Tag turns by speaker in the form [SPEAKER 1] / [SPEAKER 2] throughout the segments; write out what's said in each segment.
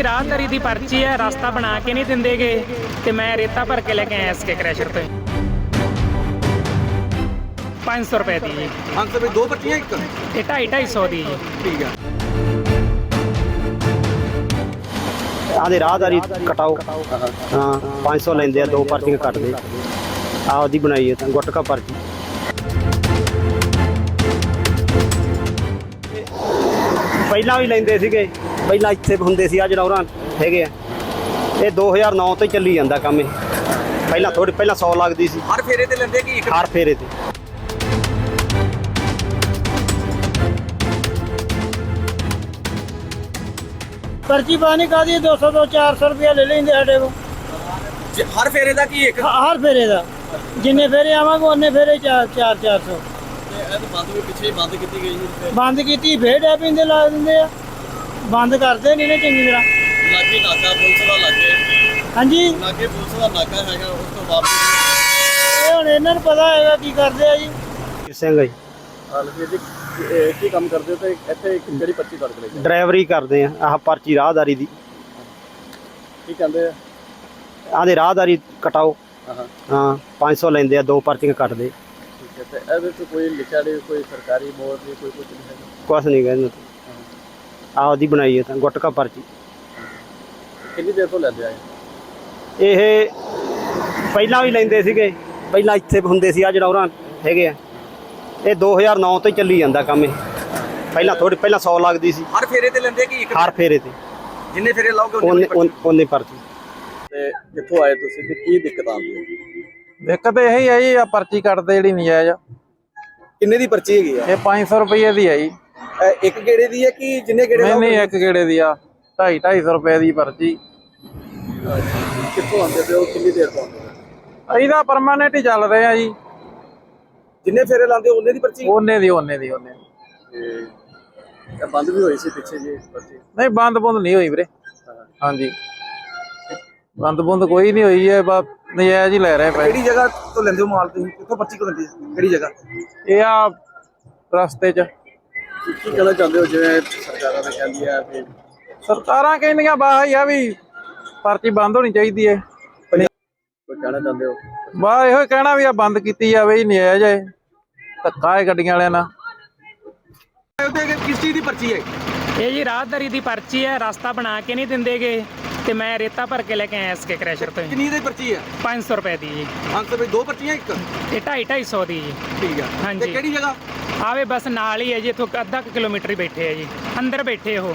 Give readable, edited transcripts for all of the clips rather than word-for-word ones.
[SPEAKER 1] जी राहदारी की पर्ची है, रास्ता बना के नहीं देंगे गे ते मैं रेता भर के लेके आया इसके क्रैशर पे 500 रुपए दी जी।
[SPEAKER 2] 500 रुपए दो पर्चियां एक
[SPEAKER 1] ये 250 दी जी।
[SPEAKER 2] ठीक है।
[SPEAKER 3] आधे राहदारी कटाओ हाँ 500 लेंदे आ, दो पर्चियां कट दे आपदी बनाई है गुटका पर्ची ਪਹਿਲਾਂ ਵੀ ਲੈਂਦੇ ਸੀਗੇ ਪਹਿਲਾਂ ਇੱਥੇ ਹੁੰਦੇ ਸੀ ਆ ਜਨੌਰਾਂ ਹੈਗੇ ਆ ਇਹ 2009 ਤੋਂ ਹੀ ਚੱਲੀ ਜਾਂਦਾ ਕੰਮ ਇਹ ਪਹਿਲਾਂ ਥੋੜੀ ਪਹਿਲਾਂ 100 ਲੱਗਦੀ ਸੀ
[SPEAKER 2] हर फेरे ते लेंदे कि एक
[SPEAKER 3] ਹਰ ਫੇਰੇ ਤੇ
[SPEAKER 4] पर्ची पानी का दी 200 तो 400 रुपया ले लेंगे साढ़े को
[SPEAKER 2] हर फेरे दा कि एक
[SPEAKER 4] हर फेरे का जिन्ने फेरे आवांगे उन्ने फेरे 400
[SPEAKER 2] बंद भी पिछे बंद की गई
[SPEAKER 4] बंद की फिर डै पींदे ला दिंदे आ बंद करते नहीं ना चंगी तरह
[SPEAKER 2] लागे नाका पुलिस दा लागे
[SPEAKER 4] हाँ जी
[SPEAKER 2] लागे पुलिस दा नाका हैगा उस तो वापस
[SPEAKER 4] ये हुण इन्हां नूं पता हैगा की करदे आ जी
[SPEAKER 3] ਸਿੰਘ ਜੀ
[SPEAKER 2] लगे जी की काम करदे हो ते ਇੱਥੇ ਕਿਹੜੀ ਪਰਚੀ ਕੱਢ ਕੇ ਲੈ
[SPEAKER 3] ਡਰਾਈਵਰੀ ਕਰਦੇ ਆ ਆਹ ਪਰਚੀ ਰਾਹਦਾਰੀ ਦੀ
[SPEAKER 2] ਕੀ ਕਹਿੰਦੇ ਆ
[SPEAKER 3] ਆਦੇ ਰਾਹਦਾਰੀ ਕਟਾਓ
[SPEAKER 2] ਹਾਂ
[SPEAKER 3] ਹਾਂ 500 ਲੈਂਦੇ ਆ, ਦੋ ਪਰਚੀਆਂ ਕੱਟ ਦੇ
[SPEAKER 2] ਠੀਕ ਹੈ ਤੇ ਇਹਦੇ ਚ ਕੋਈ ਲਿਖਿਆ ਨਹੀਂ ਕੋਈ ਸਰਕਾਰੀ ਬੋਰਡ ਨਹੀਂ ਕੋਈ ਕੁਝ ਨਹੀਂ ਹੈਗਾ
[SPEAKER 3] ਕੁਛ ਨਹੀਂ ਕਹਿੰਦੇ ਆਪਦੀ ਬਣਾਈ ਹੈ ਤਾਂ ਗੁਟਕਾ ਪਰਚੀ
[SPEAKER 2] ਕਿੰਨੀ ਦੇਰ ਤੋਂ ਲੈਂਦੇ ਆਏ
[SPEAKER 3] ਇਹ ਪਹਿਲਾਂ ਵੀ ਲੈਂਦੇ ਸੀਗੇ ਪਹਿਲਾਂ ਇੱਥੇ ਹੁੰਦੇ ਸੀ ਆ ਜਨੌਰਾਂ ਹੈਗੇ ਆ ਇਹ 2009 ਤੋਂ ਹੀ ਚੱਲੀ ਜਾਂਦਾ ਕੰਮ ਇਹ ਪਹਿਲਾਂ ਥੋੜੀ ਪਹਿਲਾਂ 100 ਲੱਗਦੀ ਸੀ
[SPEAKER 2] ਹਰ ਫੇਰੇ ਤੇ ਲੈਂਦੇ ਕਿ ਇੱਕ
[SPEAKER 3] ਹਰ ਫੇਰੇ ਤੇ
[SPEAKER 2] ਜਿੰਨੇ ਫੇਰੇ ਲਾਓਗੇ
[SPEAKER 3] ਉਹਨੇ ਪਰਚੀ
[SPEAKER 2] ਤੇ ਕਿੱਥੋਂ ਆਏ ਤੁਸੀਂ ਤੇ ਕੀ ਦਿੱਕਤ ਆਉਂਦੀ ਹੈ
[SPEAKER 5] ਦਿੱਕਤ ਇਹੀ ਹੈ ਜੀ ਆ ਪਰਚੀ ਕੱਟਦੇ ਜਿਹੜੀ ਨਜਾਇਜ਼
[SPEAKER 2] ਕਿੰਨੇ ਦੀ ਪਰਚੀ ਹੈਗੀ ਆ
[SPEAKER 5] ਇਹ 500 ਰੁਪਏ ਦੀ ਹੈ ਜੀ।
[SPEAKER 2] ਇੱਕ ਗੇੜੇ ਦੀ ਹੈ ਕਿ ਜਿੰਨੇ ਗੇੜੇ
[SPEAKER 5] ਨਹੀਂ ਇੱਕ ਗੇੜੇ ਦੀ ਆ 250 ਰੁਪਏ ਦੀ ਪਰਚੀ।
[SPEAKER 2] ਕਿੱਥੋਂ ਆਉਂਦੇ ਪਏ ਹੋ ਕਿੰਨੀ ਦੇਰ ਤੋਂ ਆਉਂਦੇ
[SPEAKER 5] ਅਸੀਂ ਤਾਂ ਪਰਮਾਨੈਂਟ ਹੀ ਚੱਲ ਰਹੇ ਆ ਜੀ।
[SPEAKER 2] ਜਿੰਨੇ ਫੇਰੇ ਲਾਉਂਦੇ ਉਹਨੇ ਦੀ ਪਰਚੀ
[SPEAKER 5] ਉਹਨੇ ਦੀ
[SPEAKER 2] ਤੇ ਬੰਦ ਵੀ ਹੋਈ ਸੀ ਪਿੱਛੇ ਜੀ ਪਰਚੀ
[SPEAKER 5] ਨਹੀਂ ਬੰਦ ਬੁੰਦ ਨਹੀਂ ਹੋਈ ਵੀਰੇ। ਹਾਂਜੀ ਬੰਦ ਬੁੰਦ ਕੋਈ ਨਹੀਂ ਹੋਈ ਹੈ ਬਸ ਨਜਾਇਜ਼ ਹੀ ਲੈ ਰਹੇ ਪਏ।
[SPEAKER 2] ਕਿਹੜੀ ਜਗ੍ਹਾ ਤੋਂ ਲੈਂਦੇ ਹੋ ਮਾਲ ਤੁਸੀਂ ਕਿੱਥੋਂ ਪਰਚੀ ਕੋ ਲੈਂਦੇ ਕਿਹੜੀ ਜਗ੍ਹਾ
[SPEAKER 5] ਇਹ ਆ ਰਸਤੇ 'ਚ
[SPEAKER 2] ਕੀ ਕਹਿਣਾ ਚਾਹੁੰਦੇ ਹੋ ਜਿਵੇਂ ਸਰਕਾਰਾਂ ਨੇ ਕਹਿੰਦੀ ਆ ਕਿ
[SPEAKER 5] ਸਰਕਾਰਾਂ ਕਹਿੰਦੀਆਂ ਬਾਹ ਹੀ ਆ ਵੀ ਪਰਚੀ ਬੰਦ ਹੋਣੀ ਚਾਹੀਦੀ ਹੈ।
[SPEAKER 2] ਕੋਈ ਕਹਿਣਾ ਚਾਹੁੰਦੇ ਹੋ
[SPEAKER 5] ਬਾਹ ਇਹੋ ਕਹਿਣਾ ਵੀ ਆ ਬੰਦ ਕੀਤੀ ਜਾਵੇ ਜੀ ਨਜਾਇਜ਼ ਹੈ ਧੱਕਾ ਹੈ ਗੱਡੀਆਂ ਵਾਲਿਆਂ ਨਾਲ।
[SPEAKER 2] किस चीज की पर्ची है
[SPEAKER 1] ये जी राहदारी की पर्ची है, रास्ता बना के नहीं देंगे गे ते मैं रेता भर के लेके आया इसके क्रैशर पे
[SPEAKER 2] कितनी दी पर्ची है
[SPEAKER 1] 500 रुपए दी जी।
[SPEAKER 2] 500 रुपए दो पर्चियां एक
[SPEAKER 1] ये 250 दी जी।
[SPEAKER 2] ठीक है
[SPEAKER 1] हाँ
[SPEAKER 2] ते
[SPEAKER 1] जी
[SPEAKER 2] केड़ी जगह
[SPEAKER 1] आवे बस नाल ही है जी, इथों आधा किलोमीटर ही बैठे है जी, अंदर बैठे हो।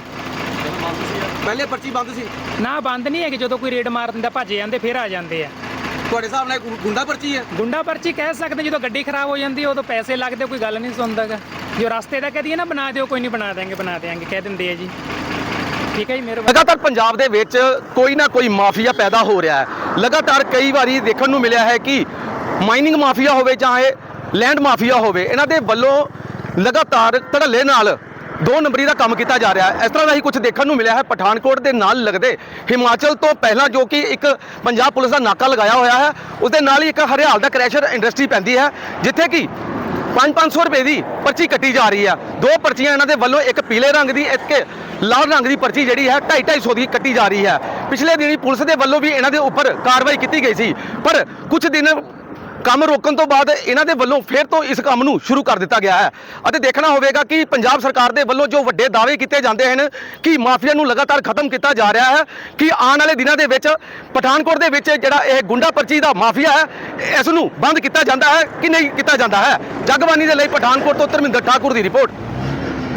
[SPEAKER 2] पहले पर्ची बंद सी
[SPEAKER 1] ना बंद नहीं है कि जो कोई रेड मार दिंदा भज जाते फिर आ जाते हैं।
[SPEAKER 2] ਤੁਹਾਡੇ ਹਿਸਾਬ ਨਾਲ ਗੁੰਡਾ ਪਰਚੀ ਹੈ
[SPEAKER 1] गुंडा पर्ची कह सकते जो गड्डी खराब हो जाती है उदों पैसे लगते कोई गल नहीं सुनता गा। जो रास्ते का कह दिए ना बना दिओ कोई नहीं बना देंगे कह देंगे जी। ठीक है जी मेरे
[SPEAKER 6] ਲਗਾਤਾਰ ਪੰਜਾਬ ਦੇ ਵਿੱਚ ਕੋਈ ਨਾ ਕੋਈ ਮਾਫੀਆ ਪੈਦਾ ਹੋ ਰਿਹਾ ਹੈ। ਲਗਾਤਾਰ ਕਈ ਵਾਰੀ ਦੇਖਣ ਨੂੰ ਮਿਲਿਆ ਹੈ ਕਿ ਮਾਈਨਿੰਗ ਮਾਫੀਆ ਹੋਵੇ ਚਾਹੇ ਲੈਂਡ ਮਾਫੀਆ ਹੋਵੇ, ਇਹਨਾਂ ਦੇ ਵੱਲੋਂ ਲਗਾਤਾਰ ਧੜੱਲੇ ਨਾਲ ਦੋ ਨੰਬਰੀ ਦਾ ਕੰਮ ਕੀਤਾ ਜਾ ਰਿਹਾ ਹੈ। ਇਸ ਤਰ੍ਹਾਂ ਦਾ ਹੀ ਕੁਝ ਦੇਖਣ ਨੂੰ ਮਿਲਿਆ ਹੈ ਪਠਾਨਕੋਟ ਦੇ ਨਾਲ ਲੱਗਦੇ ਹਿਮਾਚਲ ਤੋਂ ਪਹਿਲਾਂ ਜੋ ਕਿ ਇੱਕ ਪੰਜਾਬ ਪੁਲਿਸ ਦਾ ਨਾਕਾ ਲਗਾਇਆ ਹੋਇਆ ਹੈ, ਉਸ ਦੇ ਨਾਲ ਹੀ ਇੱਕ ਹਰਿਆਲ ਦਾ ਕ੍ਰੈਸ਼ਰ ਇੰਡਸਟਰੀ ਪੈਂਦੀ ਹੈ ਜਿੱਥੇ ਕਿ 500 ਰੁਪਏ ਦੀ ਪਰਚੀ ਕੱਟੀ ਜਾ ਰਹੀ ਹੈ। ਦੋ ਪਰਚੀਆਂ ਇਹਨਾਂ ਦੇ ਵੱਲੋਂ, ਇੱਕ ਪੀਲੇ ਰੰਗ ਦੀ ਇੱਕ ਲਾਲ ਰੰਗ ਦੀ ਪਰਚੀ ਜਿਹੜੀ ਹੈ 250 ਦੀ ਕੱਟੀ ਜਾ ਰਹੀ ਹੈ। ਪਿਛਲੇ ਦਿਨੀ ਪੁਲਿਸ ਦੇ ਵੱਲੋਂ ਵੀ ਇਹਨਾਂ ਦੇ ਉੱਪਰ ਕਾਰਵਾਈ ਕੀਤੀ ਗਈ ਸੀ, ਪਰ ਕੁਝ ਦਿਨ ਕੰਮ ਰੋਕਣ ਤੋਂ ਬਾਅਦ ਇਹਨਾਂ ਦੇ ਵੱਲੋਂ ਫਿਰ ਤੋਂ ਇਸ ਕੰਮ ਨੂੰ ਸ਼ੁਰੂ ਕਰ ਦਿੱਤਾ ਗਿਆ ਹੈ। ਅਤੇ ਦੇਖਣਾ ਹੋਵੇਗਾ ਕਿ ਪੰਜਾਬ ਸਰਕਾਰ ਦੇ ਵੱਲੋਂ ਜੋ ਵੱਡੇ ਦਾਅਵੇ ਕੀਤੇ ਜਾਂਦੇ ਹਨ ਕਿ ਮਾਫੀਆ ਨੂੰ ਲਗਾਤਾਰ ਖਤਮ ਕੀਤਾ ਜਾ ਰਿਹਾ ਹੈ, ਕਿ ਆਉਣ ਵਾਲੇ ਦਿਨਾਂ ਦੇ ਵਿੱਚ ਪਠਾਨਕੋਟ ਦੇ ਵਿੱਚ ਜਿਹੜਾ ਇਹ ਗੁੰਡਾ ਪਰਚੀ ਦਾ ਮਾਫੀਆ ਹੈ ਇਸ ਨੂੰ ਬੰਦ ਕੀਤਾ ਜਾਂਦਾ ਹੈ ਕਿ ਨਹੀਂ ਕੀਤਾ ਜਾਂਦਾ ਹੈ। ਜਗਬਾਨੀ ਦੇ ਲਈ ਪਠਾਨਕੋਟ ਤੋਂ ਧਰਮਿੰਦਰ ਠਾਕੁਰ ਦੀ ਰਿਪੋਰਟ।